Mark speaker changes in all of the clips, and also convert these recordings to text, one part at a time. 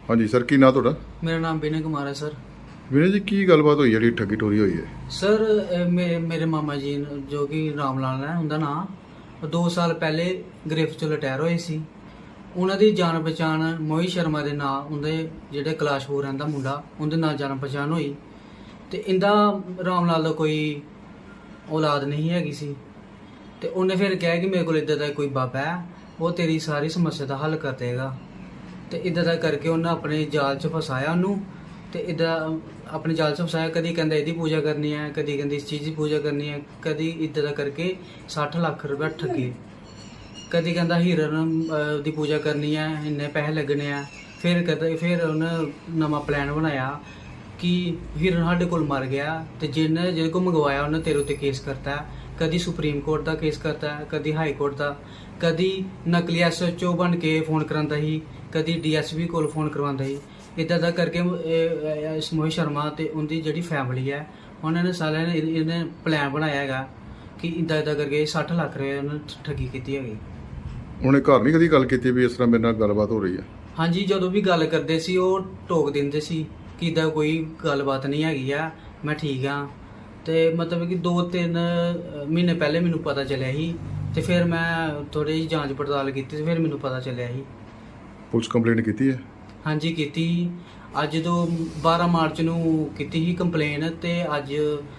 Speaker 1: ਹਾਂਜੀ ਸਰ, ਕੀ ਨਾਂ ਤੁਹਾਡਾ?
Speaker 2: मेरा नाम विनय कुमार है सर।
Speaker 1: ਵਿਨੇ ਜੀ, ਕੀ ਗੱਲਬਾਤ ਹੋਈ ਜਿਹੜੀ ਠੱਗੀ ਟੋਰੀ ਹੋਈ ਹੈ?
Speaker 2: ਸਰ ਮੇਰੇ ਮਾਮਾ ਜੀ ਜੋ ਕਿ ਰਾਮ ਲਾਲ ਹੈ ਉਹਦਾ ਨਾਂ, 2 ਸਾਲ ਪਹਿਲੇ ਗ੍ਰਿਫਤ ਚੋਂ ਰਿਟਾਇਰ ਹੋਏ ਸੀ। ਉਹਨਾਂ ਦੀ ਜਾਣ ਪਛਾਣ ਮੋਹਿਤ ਸ਼ਰਮਾ ਦੇ ਨਾਂ, ਉਹਦੇ ਜਿਹੜੇ ਕਲਾਸ਼ਪੁਰ ਰਹਿੰਦਾ ਮੁੰਡਾ, ਉਹਦੇ ਨਾਲ ਜਾਣ ਪਛਾਣ ਹੋਈ। ਤੇ ਇਹਦਾ ਰਾਮ ਲਾਲ ਦਾ ਕੋਈ ਔਲਾਦ ਨਹੀਂ ਹੈਗੀ ਸੀ। ਤੇ ਉਹਨੇ ਫਿਰ ਕਿਹਾ ਕਿ ਮੇਰੇ ਕੋਲ ਇੱਦਾਂ ਦਾ ਕੋਈ ਬਾਬਾ ਹੈ, ਉਹ ਤੇਰੀ ਸਾਰੀ ਸਮੱਸਿਆ ਦਾ ਹੱਲ ਕਰ ਦੇਗਾ। ਤੇ ਇੱਦਾਂ ਦਾ ਕਰਕੇ ਉਹਨੇ ਆਪਣੇ ਜਾਲ 'ਚ ਫਸਾਇਆ ਉਹਨੂੰ। ਤੇ ਇੱਦਾਂ ਆਪਣੇ ਜਾਲ 'ਚ ਫਸਾਇਆ, ਕਦੀ ਕਹਿੰਦਾ ਇਹਦੀ ਪੂਜਾ ਕਰਨੀ ਹੈ, ਕਦੀ ਕਹਿੰਦੀ ਇਸ ਚੀਜ਼ ਦੀ ਪੂਜਾ ਕਰਨੀ ਹੈ, ਕਦੀ ਇੱਦਾਂ ਦਾ ਕਰਕੇ 60 ਲੱਖ ਰੁਪਏ ਠੱਗੇ। ਕਦੀ ਕਹਿੰਦਾ ਹੀਰਨ ਦੀ ਪੂਜਾ ਕਰਨੀ ਹੈ, ਇੰਨੇ ਪੈਸੇ ਲੱਗਣੇ ਆ। ਫਿਰ ਉਹਨੇ ਨਵਾਂ ਪਲਾਨ ਬਣਾਇਆ ਕਿ ਹੀਰਨ ਸਾਡੇ ਕੋਲ ਮਰ ਗਿਆ ਤੇ ਜਿਹਦੇ ਕੋਲ ਮੰਗਵਾਇਆ ਉਹਨੇ ਤੇਰੇ ਉੱਤੇ ਕੇਸ ਕਰਤਾ ਹੈ। ਕਦੀ ਸੁਪਰੀਮ ਕੋਰਟ ਦਾ ਕੇਸ ਕਰਤਾ ਹੈ, ਕਦੀ ਹਾਈ ਕੋਰਟ ਦਾ, ਕਦੀ ਨਕਲੀ SHO ਬਣ ਕੇ ਫੋਨ ਕਰਾਉਂਦਾ ਸੀ, ਕਦੀ DSP ਕੋਲ ਫੋਨ ਕਰਵਾਉਂਦਾ ਸੀ। ਇੱਦਾਂ ਦਾ ਕਰਕੇ ਮੋਹਿਤ ਸ਼ਰਮਾ ਤੇ ਉਹਦੀ ਜਿਹੜੀ ਫੈਮਿਲੀ ਹੈ, ਉਹਨਾਂ ਨੇ ਸਾਰਿਆਂ ਨੇ ਇਹਨੇ ਪਲਾਨ ਬਣਾਇਆ ਹੈਗਾ ਕਿ ਇੱਦਾਂ ਕਰਕੇ 60 ਲੱਖ ਰੁਪਏ ਉਹਨੇ ਠੱਗੀ ਕੀਤੀ ਹੈਗੀ।
Speaker 1: ਉਹਨੇ ਘਰ ਨਹੀਂ ਕਦੀ ਗੱਲ ਕੀਤੀ ਵੀ ਇਸ ਤਰ੍ਹਾਂ ਮੇਰੇ ਨਾਲ ਗੱਲਬਾਤ ਹੋ ਰਹੀ ਹੈ?
Speaker 2: ਹਾਂਜੀ, ਜਦੋਂ ਵੀ ਗੱਲ ਕਰਦੇ ਸੀ ਉਹ ਟੋਕ ਦਿੰਦੇ ਸੀ ਕਿ ਇੱਦਾਂ ਕੋਈ ਗੱਲਬਾਤ ਨਹੀਂ ਹੈਗੀ ਆ, ਮੈਂ ਠੀਕ ਹਾਂ। ਤੇ ਮਤਲਬ ਕਿ 2-3 ਮਹੀਨੇ ਪਹਿਲੇ ਮੈਨੂੰ ਪਤਾ ਚੱਲਿਆ ਸੀ। ਤੇ ਫਿਰ ਮੈਂ ਥੋੜੀ ਜਿਹੀ ਜਾਂਚ ਪੜਤਾਲ ਕੀਤੀ ਤੇ ਫਿਰ ਮੈਨੂੰ ਪਤਾ ਚੱਲਿਆ ਸੀ।
Speaker 1: ਪੁਲਿਸ ਕੰਪਲੇਂਟ ਕੀਤੀ ਹੈ?
Speaker 2: ਹਾਂਜੀ ਕੀਤੀ। ਅੱਜ ਤੋਂ 12 ਮਾਰਚ ਨੂੰ ਕੀਤੀ ਸੀ ਕੰਪਲੇਨ ਤੇ ਅੱਜ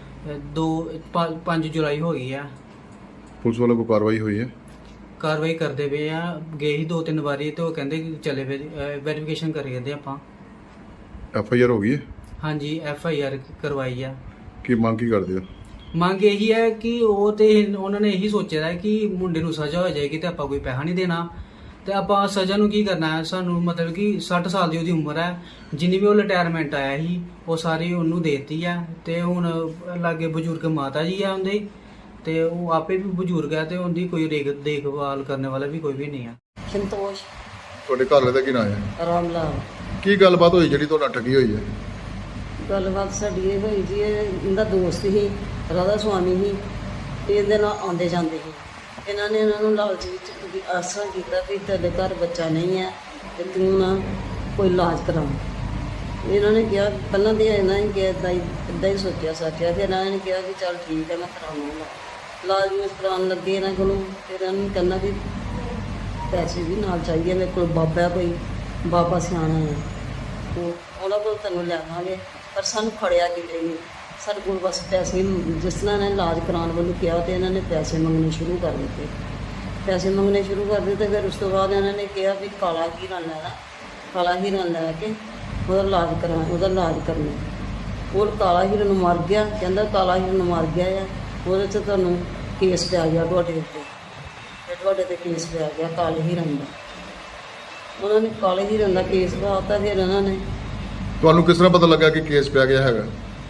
Speaker 2: 5 ਜੁਲਾਈ ਹੋ ਗਈ ਆ।
Speaker 1: ਪੁਲਿਸ ਵੱਲੋਂ ਕੋਈ ਕਾਰਵਾਈ ਹੋਈ ਹੈ?
Speaker 2: ਕਾਰਵਾਈ ਕਰਦੇ ਪਏ ਆ। ਗਏ ਸੀ 2-3 ਵਾਰੀ ਤੇ ਉਹ ਕਹਿੰਦੇ ਕਿ ਚਲੇ ਵੈਰੀਫਿਕੇਸ਼ਨ ਕਰੀ ਜਾਂਦੇ ਆਪਾਂ।
Speaker 1: FIR ਹੋ ਗਈ ਹੈ?
Speaker 2: ਹਾਂਜੀ FIR ਕਰਵਾਈ ਆ।
Speaker 1: ਕੀ ਮੰਗ ਕੀ ਕਰਦੇ ਹੋ?
Speaker 2: ਮੰਗ ਇਹੀ ਹੈ ਕਿ ਉਹ ਤੇ ਉਹਨਾਂ ਨੇ ਇਹੀ ਸੋਚਿਆ ਹੈ ਕਿ ਮੁੰਡੇ ਨੂੰ ਸਜ਼ਾ ਹੋ ਜਾਏਗੀ ਤੇ ਆਪਾਂ ਕੋਈ ਪੈਸਾ ਨਹੀਂ ਦੇਣਾ। ਤੇ ਆਪਾਂ ਸਜ਼ਾ ਨੂੰ ਕੀ ਕਰਨਾ ਹੈ? ਸਾਨੂੰ ਮਤਲਬ ਕਿ 60 ਸਾਲ ਦੀ ਉਹਦੀ ਉਮਰ ਹੈ, ਜਿੰਨੀ ਵੀ ਉਹ ਰਿਟਾਇਰਮੈਂਟ ਆਇਆ ਸੀ ਉਹ ਸਾਰੀ ਉਹਨੂੰ ਦੇਤੀ ਹੈ। ਤੇ ਹੁਣ ਲਾਗੇ ਬਜ਼ੁਰਗ ਮਾਤਾ ਜੀ ਆ ਉਹਦੇ, ਤੇ ਉਹ ਆਪੇ ਵੀ ਬਜ਼ੁਰਗ ਹੈ ਤੇ ਉਹਦੀ ਕੋਈ ਦੇਖਭਾਲ ਕਰਨ ਵਾਲਾ ਵੀ ਕੋਈ ਵੀ ਨਹੀਂ ਹੈ।
Speaker 3: ਸੰਤੋਸ਼
Speaker 1: ਤੁਹਾਡੇ ਘਰ ਵਾਲੇ ਦਾ ਕੀ ਨਾਂ ਹੈ?
Speaker 3: ਰਾਮ ਲਾਲ।
Speaker 1: ਕੀ ਗੱਲਬਾਤ ਹੋਈ ਜਿਹੜੀ ਤੁਹਾਡਾ ਠੱਗੀ ਹੋਈ ਹੈ?
Speaker 3: ਗੱਲਬਾਤ ਸਾਡੀ ਇਹ ਹੋਈ ਜੀ, ਇਹਦਾ ਦੋਸਤ ਸੀ, ਰਾਧਾ ਸੁਆਮੀ ਸੀ, ਤੇ ਇਹਦੇ ਨਾਲ ਆਉਂਦੇ ਜਾਂਦੇ ਸੀ। ਇਹਨਾਂ ਨੇ ਇਹਨਾਂ ਨੂੰ ਲਾਲਚ ਵਿੱਚ ਵੀ ਆਸਰਾ ਕੀਤਾ ਵੀ ਤੇਰੇ ਘਰ ਬੱਚਾ ਨਹੀਂ ਹੈ ਤੇ ਤੂੰ ਨਾ ਕੋਈ ਇਲਾਜ ਕਰਾ। ਇਹਨਾਂ ਨੇ ਕਿਹਾ, ਪਹਿਲਾਂ ਤਾਂ ਇਹਨਾਂ ਨੇ ਕਿਹਾ ਇੱਦਾਂ ਹੀ ਸੋਚਿਆ ਸਾਚਿਆ। ਫਿਰ ਇਹਨਾਂ ਨੇ ਕਿਹਾ ਕਿ ਚੱਲ ਠੀਕ ਹੈ ਮੈਂ ਕਰਾਉਂਗਾ। ਇਲਾਜ ਨੂੰ ਕਰਾਉਣ ਲੱਗੇ ਇਹਨਾਂ ਕੋਲੋਂ। ਫਿਰ ਇਹਨਾਂ ਨੂੰ ਕਹਿੰਦਾ ਵੀ ਪੈਸੇ ਵੀ ਨਾਲ ਚਾਹੀਦੇ, ਮੇਰੇ ਕੋਲ ਬਾਬਾ ਕੋਈ ਬਾਬਾ ਸਿਆਣਾ ਹੈ, ਉਹਨਾਂ ਕੋਲ ਤੈਨੂੰ ਲਿਆਵਾਂਗੇ। ਪਰ ਸਾਨੂੰ ਫੜਿਆ ਕਿਤੇ ਨਹੀਂ। ਸਾਡੇ ਕੋਲ ਬਸ ਪੈਸੇ, ਜਿਸ ਤਰ੍ਹਾਂ ਇਹਨਾਂ ਨੇ ਇਲਾਜ ਕਰਾਉਣ ਵੱਲੋਂ ਕਿਹਾ ਤੇ ਇਹਨਾਂ ਨੇ ਪੈਸੇ ਮੰਗਣੇ ਸ਼ੁਰੂ ਕਰ ਦਿੱਤੇ। ਪੈਸੇ ਮੰਗਣੇ ਸ਼ੁਰੂ ਕਰ ਦਿੱਤੇ। ਫਿਰ ਉਸ ਤੋਂ ਬਾਅਦ ਇਹਨਾਂ ਨੇ ਕਿਹਾ ਵੀ ਕਾਲਾ ਹੀਰਾ ਲੈਣਾ, ਕਾਲਾ ਹੀਰਾ ਲੈ ਕੇ ਉਹਦਾ ਇਲਾਜ ਕਰਨਾ। ਉਹ ਕਾਲਾ ਹੀਰਾ ਨੂੰ ਮਰ ਗਿਆ। ਕਹਿੰਦਾ ਕਾਲਾ ਹੀਰਾ ਨੂੰ ਮਰ ਗਿਆ ਆ, ਉਹਦੇ 'ਚ ਤੁਹਾਨੂੰ ਕੇਸ ਪਿਆ ਗਿਆ ਤੁਹਾਡੇ ਉੱਤੇ, ਤੇ ਤੁਹਾਡੇ 'ਤੇ ਕੇਸ ਪਿਆ ਗਿਆ ਕਾਲੇ ਹੀਰਨ ਦਾ। ਉਹਨਾਂ ਨੇ ਕਾਲੇ ਹੀਰਨ ਦਾ ਕੇਸ ਪਾਤਾ। ਫਿਰ ਇਹਨਾਂ ਨੇ
Speaker 1: ਤੁਹਾਨੂੰ ਕਿਸ ਤਰ੍ਹਾਂ ਪਤਾ ਲੱਗਾ ਕਿ ਕੇਸ ਪਿਆ ਗਿਆ ਹੈਗਾ?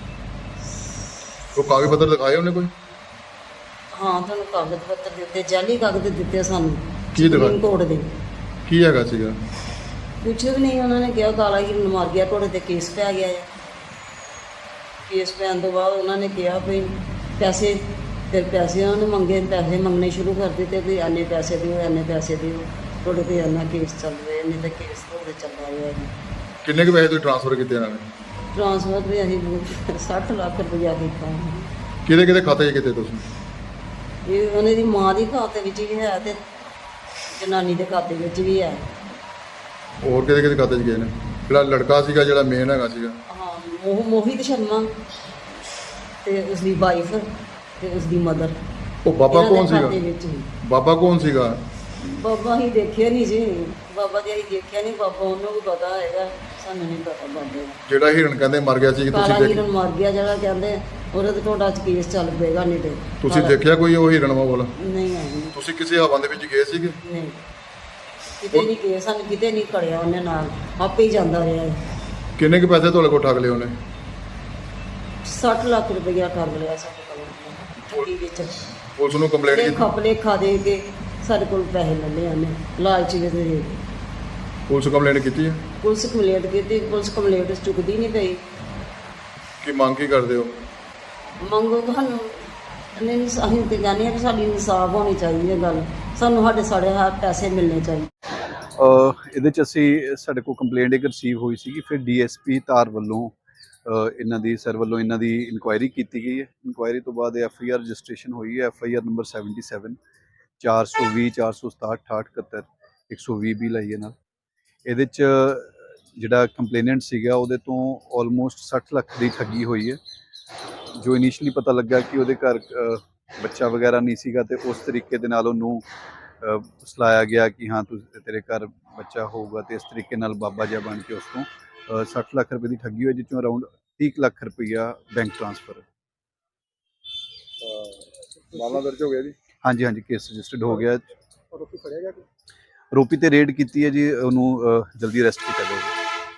Speaker 1: ਉਹ ਕਾਗਜ਼ ਪੱਤਰ ਦਿਖਾਏ ਉਹਨੇ ਕੋਈ?
Speaker 3: ਹਾਂ, ਤੁਹਾਨੂੰ ਕਾਗਜ਼ ਪੱਤਰ ਦਿੱਤੇ, ਜਾਲੀ ਕਾਗਜ਼ ਦਿੱਤੇ ਸਾਨੂੰ।
Speaker 1: ਕੀ ਦਿਖਾ?
Speaker 3: ਸੁਪਰੀਮ ਕੋਰਟ ਦੇ।
Speaker 1: ਕੀ ਹੈਗਾ ਸੀਗਾ?
Speaker 3: ਕੁਛ ਵੀ ਨਹੀਂ। ਉਹਨਾਂ ਨੇ ਕਿਹਾ ਕਾਲਾ ਹੀਰਨ ਮਰ ਗਿਆ, ਤੁਹਾਡੇ 'ਤੇ ਕੇਸ ਪੈ ਗਿਆ ਹੈ। ਕੇਸ ਪੈਣ ਤੋਂ ਬਾਅਦ ਉਹਨਾਂ ਨੇ ਕਿਹਾ ਵੀ ਪੈਸੇ, ਫਿਰ ਪੈਸੇ ਉਹਨਾਂ ਨੇ ਮੰਗੇ, ਪੈਸੇ ਮੰਗਣੇ ਸ਼ੁਰੂ ਕਰ ਦਿੱਤੇ ਵੀ ਇੰਨੇ ਪੈਸੇ ਦਿਓ, ਇੰਨੇ ਪੈਸੇ ਦਿਓ, ਤੁਹਾਡੇ 'ਤੇ ਇੰਨਾ ਕੇਸ ਚੱਲ ਰਿਹਾ, ਇੰਨੇ ਤਾਂ ਕੇਸ ਤੁਹਾਡੇ ਚੱਲ ਰਿਹਾ ਹੈ।
Speaker 1: ਕਿੰਨੇ ਕੁ ਪੈਸੇ ਤੁਸੀਂ ਟ੍ਰਾਂਸਫਰ ਕੀਤੇ ਇਹਨਾਂ ਨੇ?
Speaker 3: ਟ੍ਰਾਂਸਫਰ ਵੀ ਅਸੀਂ 60 ਲੱਖ ਰੁਪਇਆ ਕੀਤਾ।
Speaker 1: ਕਿਹਦੇ ਕਿਹਦੇ ਖਾਤੇ 'ਚ ਕੀਤੇ ਤੁਸੀਂ?
Speaker 3: ਇਹ ਉਹਨਾਂ ਦੀ ਮਾਂ ਦੀ ਖਾਤੇ ਵਿੱਚ ਵੀ ਹੈ ਤੇ ਜਨਾਨੀ ਦੇ ਖਾਤੇ ਵਿੱਚ ਵੀ ਹੈ।
Speaker 1: ਹੋਰ ਕਿਹਦੇ ਕਿਹਦੇ ਖਾਤੇ 'ਚ ਗਏ ਨੇ? ਜਿਹੜਾ ਲੜਕਾ ਸੀਗਾ, ਜਿਹੜਾ ਮੇਨ ਹੈਗਾ ਸੀਗਾ?
Speaker 3: ਹਾਂ, ਮੋਹਿਤ ਸ਼ਰਮਾ ਤੇ ਉਸਦੀ ਵਾਈਫ ਤੇ ਉਸਦੀ ਮਦਰ।
Speaker 1: ਉਹ ਬਾਬਾ ਕੌਣ ਸੀਗਾ?
Speaker 3: ਵਿੱਚ ਹੀ
Speaker 1: ਬਾਬਾ ਕੌਣ ਸੀਗਾ?
Speaker 3: ਬਾਬਾ ਹੀ ਦੇਖਿਆ ਨਹੀਂ ਜੀ, ਬਾਬਾ ਦੀ ਅਸੀਂ ਦੇਖਿਆ ਨਹੀਂ। ਬਾਬਾ ਉਹਨੂੰ ਵੀ ਪਤਾ ਹੈਗਾ, ਸਾਨੂੰ ਨਹੀਂ ਪਤਾ ਬਾਬੇ ਦਾ।
Speaker 1: ਜਿਹੜਾ ਹਿਰਨ ਕਹਿੰਦੇ ਮਰ ਗਿਆ ਸੀ, ਕਿ
Speaker 3: ਕਾਲਾ
Speaker 1: ਤੁਸੀਂ
Speaker 3: ਹੀਰਨ ਮਰ ਗਿਆ ਜਿਹੜਾ ਕਹਿੰਦੇ, ਉਹਦੇ ਤੇ ਤੁਹਾਡਾ ਕੇਸ ਚੱਲ ਪਏਗਾ। ਨਹੀਂ ਤੇ
Speaker 1: ਤੁਸੀਂ ਦੇਖਿਆ ਕੋਈ ਉਹ ਹਿਰਨ ਵਾਲਾ?
Speaker 3: ਨਹੀਂ ਆਈ।
Speaker 1: ਤੁਸੀਂ ਕਿਸੇ ਹਵਾ ਦੇ ਵਿੱਚ ਗਏ ਸੀਗੇ?
Speaker 3: ਨਹੀਂ, ਕਿਤੇ ਨਹੀਂ ਗਏ, ਸਾਨੂੰ ਕਿਤੇ ਨਹੀਂ ਖੜਿਆ ਉਹਨੇ, ਨਾਲ ਆਪੇ ਹੀ ਜਾਂਦਾ ਰਿਹਾ ਹੈ।
Speaker 1: ਕਿੰਨੇ ਕੁ ਪੈਸੇ ਤੁਹਾਡੇ ਕੋਲ ਠੱਗ ਲਏ ਉਹਨੇ?
Speaker 3: 60 ਲੱਖ ਰੁਪਇਆ ਕਰ ਲਿਆ ਸਾਡੇ ਕੋਲ ਠੱਗੀ ਵਿੱਚ।
Speaker 1: ਪੁਲਿਸ ਨੂੰ ਕੰਪਲੇਂਟ ਕੀਤੀ?
Speaker 3: ਖਪਲੇ ਖਾ ਦੇ ਕੇ ਸਾਡੇ ਕੋਲ ਪੈਸੇ ਲੈ ਲਏ ਉਹਨੇ ਲਾਲਚ ਦੇ ਦੇ।
Speaker 1: ਪੁਲਿਸ ਕੰਪਲੇਂਟ ਕੀਤੀ ਹੈ?
Speaker 3: ਪੁਲਿਸ ਕੰਪਲੇਂਟ ਕੀਤੀ, ਪੁਲਿਸ ਕੰਪਲੇਂਟ ਚੁੱਕਦੀ ਨਹੀਂ ਪਈ।
Speaker 1: ਕੀ ਮੰਗ ਕੀ ਕਰਦੇ ਹੋ?
Speaker 3: ਮੰਗੋ ਤੁਹਾਨੂੰ ਨਹੀਂ, ਅਸੀਂ ਤੇ ਕਹਿੰਦੇ ਹਾਂ ਕਿ ਸਾਡੀ ਇਨਸਾਫ ਹੋਣੀ ਚਾਹੀਦੀ ਹੈ। ਗੱਲ ਸਾਨੂੰ ਸਾਡੇ ਹੱਥ ਪੈਸੇ ਮਿਲਣੇ ਚਾਹੀਦੇ।
Speaker 4: ਇਹਦੇ 'ਚ ਅਸੀਂ ਸਾਡੇ ਕੋਲ ਕੰਪਲੇਂਟ ਇੱਕ ਰਿਸੀਵ ਹੋਈ ਸੀਗੀ, ਫਿਰ ਡੀਐਸਪੀ ਧਾਰ ਵੱਲੋਂ ਇਹਨਾਂ ਦੀ ਸਰ ਵੱਲੋਂ ਇਹਨਾਂ ਦੀ ਇਨਕੁਆਇਰੀ ਕੀਤੀ ਗਈ ਹੈ। ਇਨਕੁਆਇਰੀ ਤੋਂ ਬਾਅਦ ਐਫਆਈਆਰ ਰਜਿਸਟ੍ਰੇਸ਼ਨ ਹੋਈ ਹੈ, ਐਫਆਈਆਰ ਨੰਬਰ 77 420 467 68 120 ਵੀ ਲਈ ਹੈ ਨਾਲ। ਇਹਦੇ 'ਚ ਜਿਹੜਾ ਕੰਪਲੇਨੈਂਟ ਸੀਗਾ ਉਹਦੇ ਤੋਂ ਆਲਮੋਸਟ 60 ਲੱਖ ਦੀ ਠੱਗੀ ਹੋਈ ਹੈ। ਜੋ ਇਨੀਸ਼ੀਅਲੀ ਪਤਾ ਲੱਗਾ ਕਿ ਉਹਦੇ ਘਰ ਬੱਚਾ ਵਗੈਰਾ ਨਹੀਂ ਸੀਗਾ ਤੇ ਉਸ ਤਰੀਕੇ ਦੇ ਨਾਲ ਉਹਨੂੰ ਫਸਲਾਇਆ ਗਿਆ ਕਿ ਹਾਂ ਤੇਰੇ ਘਰ ਬੱਚਾ ਹੋਊਗਾ, ਤੇ ਇਸ ਤਰੀਕੇ ਨਾਲ ਬਾਬਾ ਜਿਹਾ ਬਣ ਕੇ ਉਸ ਤੋਂ 60 ਲੱਖ ਰੁਪਏ ਦੀ ਠੱਗੀ ਹੋਈ, ਜਿਸ ਚੋਂ ਅਰਾਊਂਡ 30 ਲੱਖ ਰੁਪਈਆ ਬੈਂਕ ਟ੍ਰਾਂਸਫਰ।
Speaker 1: ਮਾਮਲਾ ਦਰਜ ਹੋ ਗਿਆ ਜੀ।
Speaker 4: ਹਾਂਜੀ ਹਾਂਜੀ, ਕੇਸ ਰਜਿਸਟਰਡ ਹੋ ਗਿਆ।
Speaker 1: ਆਰੋਪੀ ਫੜਿਆ ਗਿਆ?
Speaker 4: ਆਰੋਪੀ ਤੇ ਰੇਡ ਕੀਤੀ ਹੈ ਜੀ, ਉਹਨੂੰ ਜਲਦੀ ਅਰੈਸਟ ਕੀਤਾ ਜਾਊਗਾ।